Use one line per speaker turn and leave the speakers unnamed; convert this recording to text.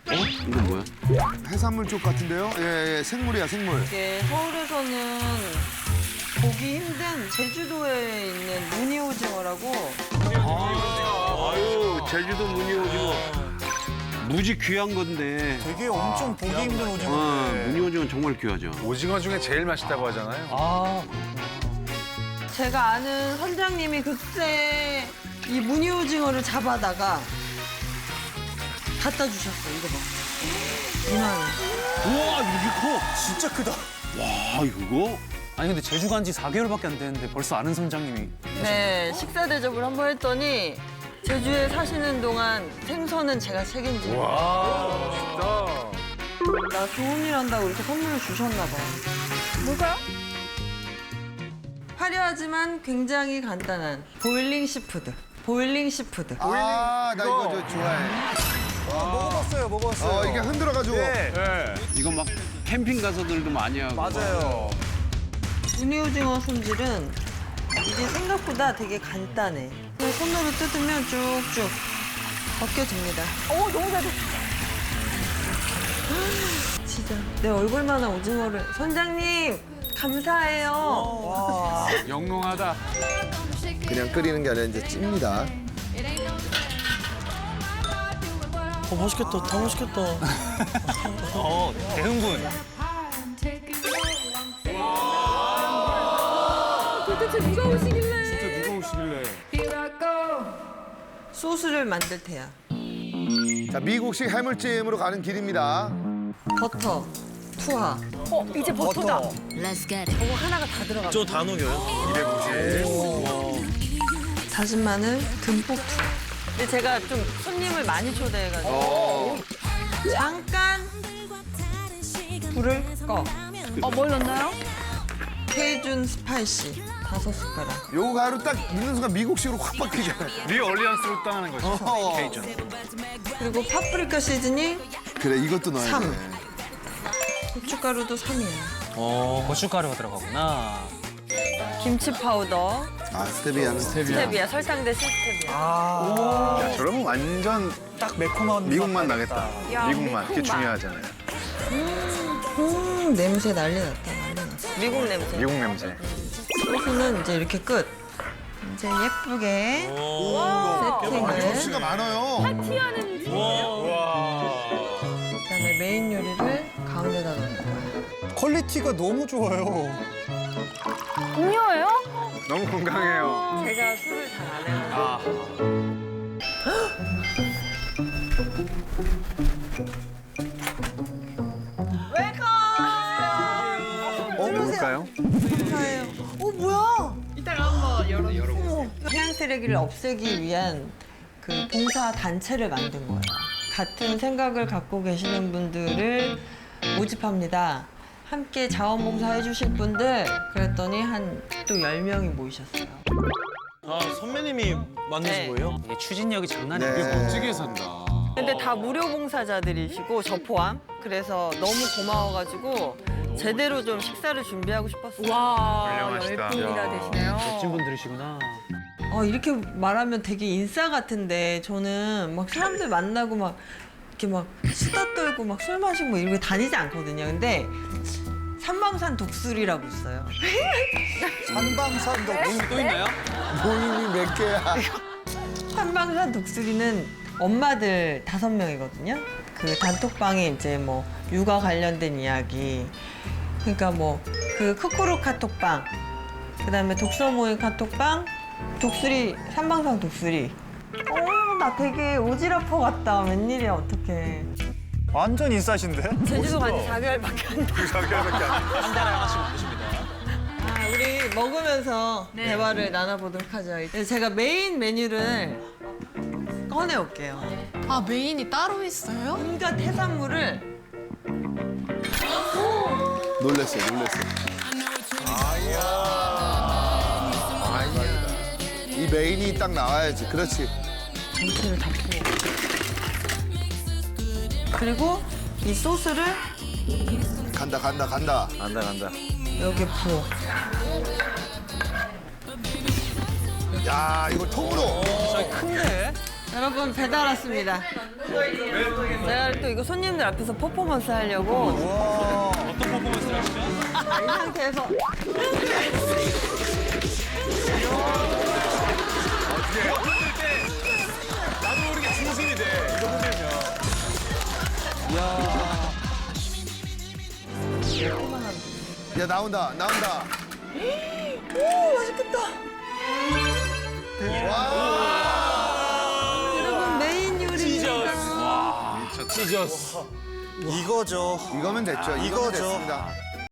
이건 뭐야?
해산물 쪽 같은데요? 예, 생물이야, 생물.
이게 서울에서는 보기 힘든 제주도에 있는 무늬오징어라고.
아유, 제주도 무늬오징어. 무지 귀한 건데.
되게 엄청 보기 힘든 오징어인데.
무늬오징어는 정말 귀하죠.
오징어 중에 제일 맛있다고 하잖아요.
제가 아는 선장님이 그때 이 무늬오징어를 잡아다가 갖다 주셨어. 이거 봐. 이만해.
우와, 이렇게 커.
진짜 크다.
와, 이거?
아니 근데 제주 간 지 4개월밖에 안 됐는데 벌써 아는 선장님이.
네, 식사 대접을 한번 했더니 제주에 사시는 동안 생선은 제가 책임지고.
와,
나 좋은 일 한다고 이렇게 선물을 주셨나 봐. 뭘까요? 화려하지만 굉장히 간단한 보일링 시푸드. 보일링 시푸드.
아, 나 이거 저 좋아해.
먹어봤어요, 먹어봤어요.
이게 흔들어가지고.
네.
네.
이거 막 캠핑 가서들도 많이 하고.
맞아요.
무늬오징어 손질은 이게 생각보다 되게 간단해. 그냥 손으로 뜯으면 쭉쭉 벗겨집니다. 오, 너무 잘 됐어. 진짜 내 얼굴만한 오징어를. 선장님, 감사해요.
영롱하다.
그냥 끓이는 게 아니라 이제 찝니다.
맛있겠다, 다 맛있겠다.
대흥분.
도대체 누가 오시길래?
진짜 누가 오시길래.
소스를 만들 테야.
자, 미국식 해물찜으로 가는 길입니다.
버터, 투하.
이제 버터다.
저거 하나가 다 들어가.
저 다 녹여요?
다진 마늘 듬뿍 투하. 근데 제가 좀 손님을 많이 초대해가지고 잠깐 불을 꺼.
뭘 넣나요?
케이준 스파이시 5숟가락.
요 가루 딱 넣는 순간 미국식으로 확 바뀌잖아요.
리 얼리언스로 따는 거죠.
어허.
케이준.
그리고 파프리카 시즈닝
그래, 이것도 넣어야
3.
돼.
고춧가루도 3이에야.
고춧가루가 들어가구나.
김치 파우더,
아, 스테비아는
스테비아, 설탕 대신 스테비아.
야, 저러면 완전
딱 매콤한
미국 맛
맛
나겠다. 미국 맛. 그게 중요하잖아요.
냄새 난리 났다, 난리 났어. 미국 냄새.
미국 냄새.
소스는 이제 이렇게 끝. 이제 예쁘게 세팅을.
접시가 많아요.
그다음에 메인 요리를 가운데다 넣는 거야.
퀄리티가 너무 좋아요.
음료예요?
너무 건강해요.
제가 술을 잘 안 해요.
누굴까요?
감사해요. 뭐야? 이따가 한번 열어보세요. 해양 쓰레기를 없애기 위한 그 봉사 단체를 만든 거예요. 같은 생각을 갖고 계시는 분들을 모집합니다. 함께 자원봉사 해주실 분들 그랬더니 한 또 10명이 모이셨어요.
아, 선배님이 만드신
네.
거예요?
이게 추진력이 장난이
네.
아니야.
멋지게 산다.
근데 다 무료 봉사자들이시고 저 포함. 그래서 너무 고마워가지고 제대로 좀 식사를 준비하고 싶었어요.
와,
훌륭하시다.
열분이나 되시네요.
멋진 분들이시구나.
이렇게 말하면 되게 인싸 같은데 저는 막 사람들 만나고 막 이렇게 막 수다 떨고 막 술 마시고 뭐 이렇게 다니지 않거든요. 근데 삼방산 독수리라고 있어요.
한방산도
또 있나요?
모임이 몇 개야.
삼방산 독수리는 엄마들 5명이거든요. 그 단톡방에 이제 뭐 육아 관련된 이야기. 그러니까 뭐 그 크크루 카톡방, 그다음에 독서 모임 카톡방, 독수리, 삼방산 독수리. 나 되게 오지랖퍼 같다. 웬일이야, 어떡해.
완전 인싸신데?
제주도 간지 4개월밖에 안 돼.
한 달에 하나씩 만드십니다.
우리 먹으면서 대화를 나눠보도록 하죠. 이제 제가 메인 메뉴를 꺼내올게요.
아, 메인이 따로 있어요?
온갖 해산물을
놀랬어요, 놀랬어요. 이 메인이 딱 나와야지. 그렇지.
전체를 다 부어. 그리고 이 소스를
간다, 간다, 간다.
간다, 간다.
여기에 부어.
야, 이거 통으로.
진짜 큰데?
여러분 배달 왔습니다. 제가 또 이거 손님들 앞에서 퍼포먼스 하려고
어떤 퍼포먼스를 하시죠?
이 상태에서
나도 모르게 중심이 돼. 이거 흔들면.
야, 나온다.
오 맛있겠다. 여러분 메인 요리입니다.
치저스.
이거죠.
이거면 됐죠. 이거면
이거죠.
됐습니다.